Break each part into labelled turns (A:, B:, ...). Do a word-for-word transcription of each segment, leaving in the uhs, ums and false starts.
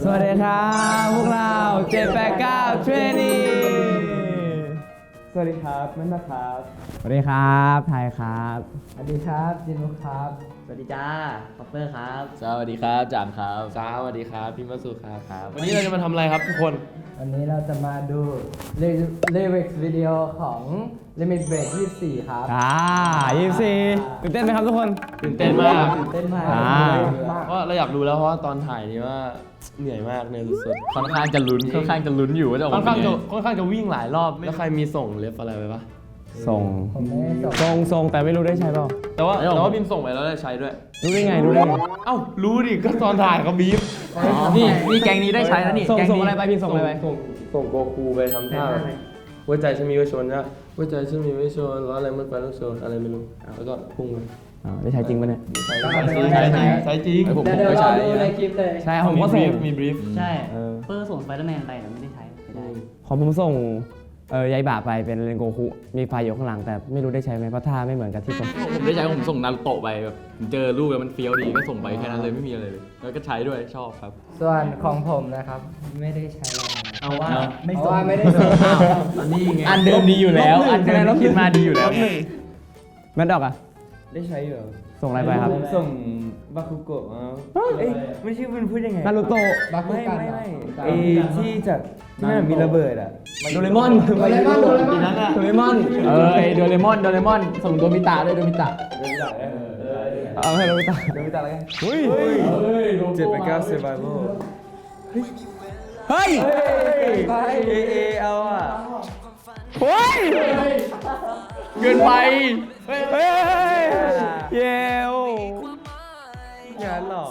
A: สวัสดีครับพวกเราเจ็ดแปดเก้าเทรนนี
B: สวัสดีครับนั่นนะครับ
A: สวัสดีครับไทยครับ
B: สวัสดีครับจินุครับ
C: สวัสดีจ้าคอปเปอร์ครับ
D: สวัสดีครับจางครับสวัสดีครับพี่มัสุครับครับวันนี้เราจะมาทำอะไรครับทุกคน
B: วันนี้เราจะมาดูเลเว็กซ์วิดีโอของ Limit Break ยี่สิบสี่ครับ
A: อ่ายี่สิบสี่ตื่นเต้นไหมครับทุกคน
D: ตื่นเต้นมาก
B: ตื่นเต้นมาก
A: อ่า
D: เพราะเราอยากรู้แล้วเพราะว่าตอนถ่ายนี่ว่าเหนื่อยมากเหนื่อยสุดๆ
E: ค่อนข้างจะลุ้นค่อนข้างจะลุ้นอยู่ว่าจะออก
D: ค่อน
E: มา
D: ข้าง
E: เป็น
D: จะ
E: ไง
D: ค่อนข้างจะวิ่งหลายรอบแล้วใครมีส่งเล็บอะไรไปปะ
A: ส่ง
B: ผมไม่ได้ส่ง
A: ส่งส่งแต่ไม่รู้ได้ใช้เปล่า
D: แต่ว่าแต่ว่าบิมส่งไปแล้วได้ใช้ด้วย
A: รู้ได้ไงรู้ได้ไง
D: เอ้ารู้ดิก็ตอนถ่ายเขาบีบ
E: นี่นี่แกงนี้ได้ใช้แล้วนี่
A: ส่ง
E: แกง
A: ส่ง
E: นี้
A: อะไรไปพี่ส่งอะไรไป
D: ส่งส่งโกคูไปทำท่าหัวใจฉันมีไว้ชนนะหัวใจฉันมีไว้ชนล้ออะไรมันไปต้องชนอะไรไม่รู้แล้วก็พุ่งไป
A: อ่าได้ใช้จริงปะเนี่ย
D: ใช้จริงใช้จริงใช้จริง
E: เออผม
B: เดี๋ยว
E: ผม
B: เดี๋ยว
E: ก็
B: รอ
E: ใช้
B: ดูในคลิปเลย
A: ใช่ผมก็ส่ง
D: มีบรีฟ
C: ใช่
A: เออ
C: เปอร์ส่งสไปเดอร์แมนไปแต่ไม่ได้ใช้ไม่ได้
A: ของผมส่งเออยายบาไปเป็นเรนโกคุมีไฟอยู่ข้างหลังแต่ไม่รู้ได้ใช้ไหมเพราะท่าไม่เหมือนกับที่ผม
E: ผมได้ใช้ผมส่งนารูโตะไปแบบเจอรูปแล้วมันเฟี้ยวดีก็ส่งไปแค่นั้นเลยไม่มีอะไรเลยแล้วก็ใช้ด้วยชอบครับ
B: ส่วนของผมนะครับ ไม่ได้ใช้อะไร
C: เอาว่า
B: ไม่
C: ไม่
B: ส่
C: ส่
B: ง
C: ง
B: ไม่ได้ส่ง
E: อันนี้ไง
A: อันเดิมดีอยู่แล้วอันเดิมที่คิดมาดีอยู่แล้วแมนดอกอะ
B: ได้ใช้อยู่
A: ส่งอะไรไปครับ
B: ส่งบาคุโกะเอ้ยไม่ใช่มันพูดยังไง
A: นารูโตะ
B: บาคุกันไม่ไม่
F: ไอ้ที่จากที่มันมีระเบิดอ่ะ
A: โดเรมอน
B: โดเรมอนโดเรมอน
A: โดเรมอน
E: เออไอโดเรมอนโดเรมอนส่งโดมิตะด้วยโดมิตะ
A: เอาให้เราไปตัด
F: เดี๋ยวไปตัดอะไรกัน
A: เฮ้ย
F: เจ็ดไปเก้าเซอร์ไวโ
A: เฮ้ย
F: ไปเอเอเอาอ่ะ
A: เฮ้ย
E: เกินไป
A: เฮ้ยเยว
F: งานหรอ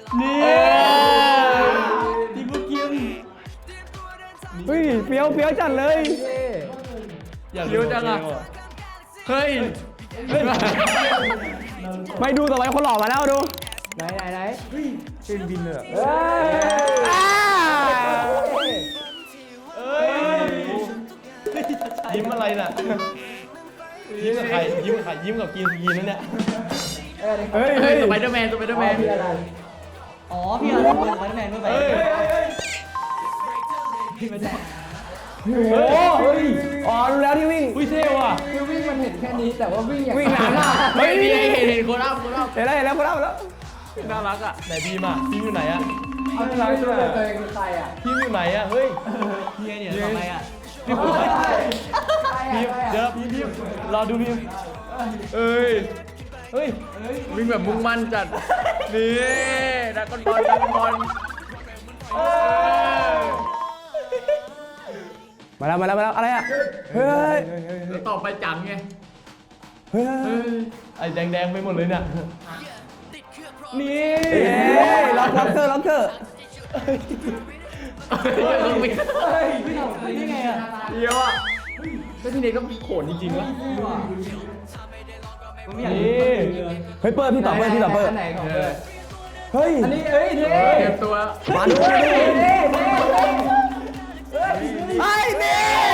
D: ที่พูดกิน
A: เฮ้ยเฟี้ยวเฟี้ยวจัดเลย
D: อยากรู้จังอ่ะ
E: เฮ้ย
A: ไม่ดูต่อไปคนหล่อมาแล้วดู
B: ไหนไหนไหน
F: เป็นบินเลย
B: เฮ้ย
A: อ่า
D: เอ้ยยิ้มอะไรน่ะยิ้มกับใครยิ้มกับใครยิ้มกับกินกินนั่นเนี่ย
B: เอ้ย
A: เฮ้ย
E: เฮ้ยสไปเดอร์แมนสไปเดอร์แมน
B: พี่อะไร
C: อ๋อพี่เอาส่งสไปเดอร์แมนด้วยไป
D: เฮ้ย
A: โอ้เฮ้ยอ๋อรู้แล้วที่วิ่ง
D: อุ้ยเท่ว่ะ
B: คือวิ่งมันเห็นแค่นี้แต่ว่าวิ่งอย่าง
A: วิ่งนานมาก
E: เฮ้ยนี่เห็นเห็นโคราชโคราช
A: เห็นแล้วเห็นแล้วคนเล่าแล้ว
D: น่ารักอ่ะไหนพีมอ่ะพีมอยู่ไหนอ่ะ
B: เอาที่ไม่รู้เลยตัวเองคือใครอ่ะ
D: พีมอยู่ไหนอ่ะเฮ้ย
C: เฮียเนี่ยทำไมอ่ะ
D: พีมพีมเดี๋ยวพีมพีมรอดูพีมเอ้ยเฮ้ย
E: วิ่งแบบมุ่งมั่นจัดนี่ดักกอนบอลดักกอนบอล
A: มาแล้วมาแล้วมาแล้วอะไรอ่ะเฮ้ย
E: แล้วต่อไปจังไง
A: เฮ้ย
D: ไอ้แดงๆไปหมดเลยเนี่ยนี่
A: เอ้ยล็อกล็อกเกอร์ล็อกเกอร์
E: ต้องวิ่ง
C: นี่ไงอ่ะ
E: เดียวอ่ะแล้วพี่เนยก็โขนจริงๆวะ
C: ผมไม่อยาก
D: นี่
A: เฮ้ยเปิดพี่ต่อเปิดพี่ต่อเปิด
B: อันไหนของเปิด
A: เฮ้ย
B: อันนี้เอ้ยเท่
E: เก็บตัว
A: มาดูมาดู
B: เท่เท่เท่
A: ไอ้นี่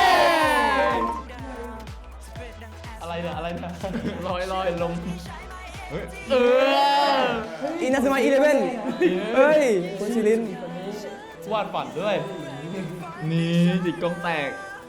D: อะไรเนี่ยอะไรเนี่ย
E: ลอยลอยลงเออ
A: อินาซึมาอีเลเว่นเฮ้ยคุณชิลิน
D: วาดฝันด้วย
E: นี่จิกกองแตก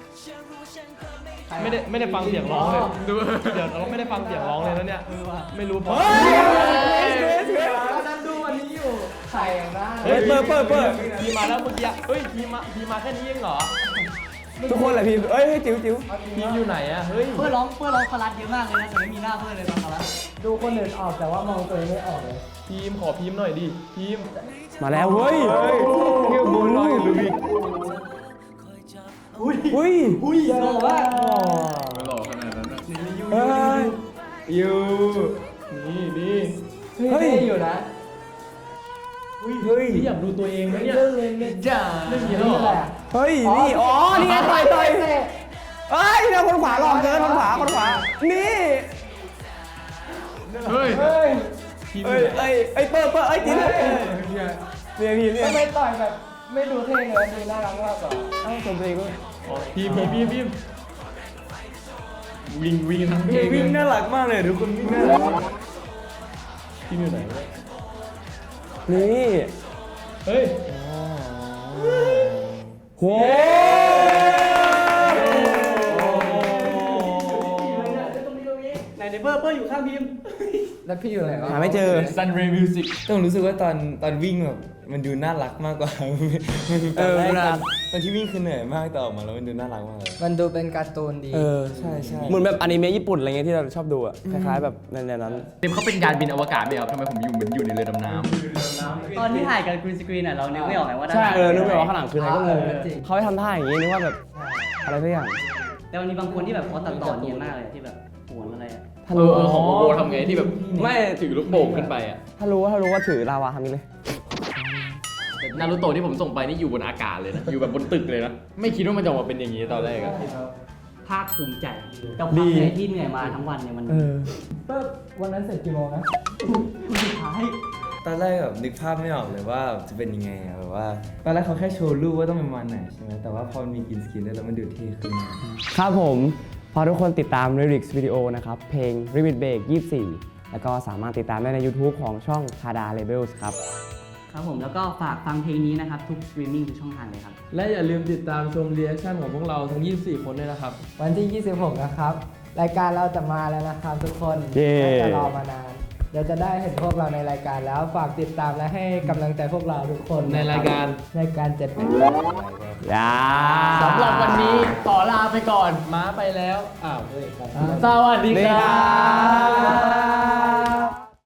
D: ไม่ได้ไม่ได้ฟังเสียงร้องเลย
E: ดู
D: เดี๋ยวเราไม่ได้ฟังเสียงร้องเลยนะเนี่ยไม่รู้เพราะ
B: เรานั่งดูวันนี้อยู่ใครอย่างนั้น
A: เฮ้ยเปิดเปิดเปิด
D: พีมาแล้วเมื่อกี้เฮ้ยพีมาพีมาแค่นี้เองเหรอ
A: ทุกคนแหละพี่เอ้ยจิ๋วจิ๋ว
D: พีอยู่ไหนอะเฮ้ย
C: เพื่อร้องเพื่อร้องคารัสเยอะมากเลยนะแต่ไม่มีหน้าเพื่อนเลยตอนคารัส
B: ดูคนอื่นออกแต่ว่ามองตัวเองไม่ออกเลย
D: พีมขอพีมหน่อยดิพีม
A: มาแล้วเฮ้ยเฮ้ยเกี่ยวบุญลอยลูบิกอุ้ยอุ้ย
B: อุ้ยโซ่ว่า
E: ไม่หล่อขนาดนั้นนะ
A: เฮ้ย
D: ยูนี่นี่
B: เฮ้ยอยู่นะ
D: เฮ้ยอยากดูตัวเองไหมเนี่ย
B: เรื่องเล่นเล่น
E: จ้า
D: ไม่มีแล้วเหรอ
A: เฮ้ยนี่อ๋อนี่ไงต่อยต่อยเฮ้ยเนี่ยคนขวาหลอกเกินคนขวาคนขวานี่
E: เฮ้ย
B: เฮ้ย
D: พีมอ
A: เอ้ย
D: ยู่ไหน
A: เอ้ยเอ้ยเปิดเปิดเอ้ยจิ๋วเนี่ยพี่เนี่ย
B: ทำไมต่อยแบบไม่ดูเท่เลยดูน่ารักมากกว่า
A: เอ้าสมเพลงก็
D: อ๋อพีมพีมพีมพีม
E: วิ่งวิ่งทั้งเพลง
F: วิ่งน่ารักมากเลยทุกคนวิ่งน่ารัก
D: พีมอยู่ไหนวะ
A: นี่
D: เฮ้ย
C: ไหนในเบอร์เบอร์อยู่ข้างพิมพ์
B: แล้วพี่อยู่ไหนวะ
A: หาไม่เจอ
E: Sunray Music
F: ต้องรู้สึกว่าตอนตอนวิ่งแบบมันดูน่ารักมากกว่า มันคือตอนแรก
A: เออ
F: ตอนตอนที่วิ่งคือเหนื่อยมากแต่ออกมาแล้วมันดูน่ารักมากเลย
B: มันดูเป็นการ์ตูนดี
A: เออ
F: ใช่ใช่
A: เหมือนแบบอนิเมะญี่ปุ่นอะไรเงี้ยที่เราชอบดูอะคล้ายๆแบบในนั้น
E: เต็มเขาเป็นยานบินอวกาศไหมครับทำไมผมอยู่เหมือนอยู่ในเรือดำน้ำ
C: ตอนที่ถ่ายกันกรีนสกรีนอ่ะเรานึกไม่ออกไงว่าด้าน
A: ใช่
C: หลัง
A: เออนึกไม่ออกว่าข้างหลังคืออะไรก็งง
B: เออจริง
A: เขาให้ทำท่าอย่างงี้นึกว่าแบบอะไรสักอย่าง
C: แต่มันมีบางคนที่แบบเขาตัดต่อเนียนมากเลยที่แบบโหนอะไรอ่ะ
A: ถ้า
E: เอ
A: รู้
E: อเออของโบโบทำไงที่แบบ
A: ไม่
E: ถือลูกโป่งขึ้นไปอ่ะ
A: ถ้ารู้ว่าถ้ารู้ว่าถือลาวาทำนี้เลย
E: แต่นารูโตะที่ผมส่งไปนี่อยู่บนอากาศเลยนะ อยู่แบบบนตึกเลยนะ ไม่คิดว่ามันจะออกมาเป็นอย่างนี้ตอนแรกอะ
C: ภาคภูมิใจกับความเหนื่อยที่เหนื่อยมาทั้งวันเนี่ยมัน
A: เออ
B: เปิ๊บวันนั้นเสร็จกี่โมงนะ
C: สุดท้าย
F: ตอนแรกแบบนึกภาพไม่ออกเลยว่าจะเป็นยังไงอะแบบว่าตอนแรกเขาแค่โชว์รูปว่าต้องเป็นวันไหนใช่ไหมแต่ว่าพอมันมีกรีนสกรีนด้วยแล้วมันดูเท่ขึ้น
A: ครับผมพอทุกคนติดตาม lyrics วิดีโอนะครับ เพลง Limit Break ยี่สิบสี่ แล้วก็สามารถติดตามได้ใน YouTube ของช่อง Tada Labels ครับ
C: ครับผมแล้วก็ฝากฟังเพลงนี้นะครับ ทุกสตรีมมิ่งทุกช่องทางเลยครับ
D: และอย่าลืมติดตามชมรีแอคชั่นของพวกเราทั้ง ยี่สิบสี่ คนด้วยนะครับ
B: วันที่ ยี่สิบหก นะครับ รายการเราจะมาแล้วนะครับทุกคน
A: เย้
B: น่าจะรอมานาน เดี๋ยวจะได้เห็นพวกเราในรายการแล้วฝากติดตามและให้กำลังใจพวกเราทุกคน
D: ในรายการ
B: ในการเจ็ดเป็น
A: ยา
E: สำหรับวันนี้ขอลาไปก่อน
D: ม้าไปแล้ว อ้าว
E: สวัสดี
A: สวัสดี
E: ค
A: ครั
E: รับ
A: บ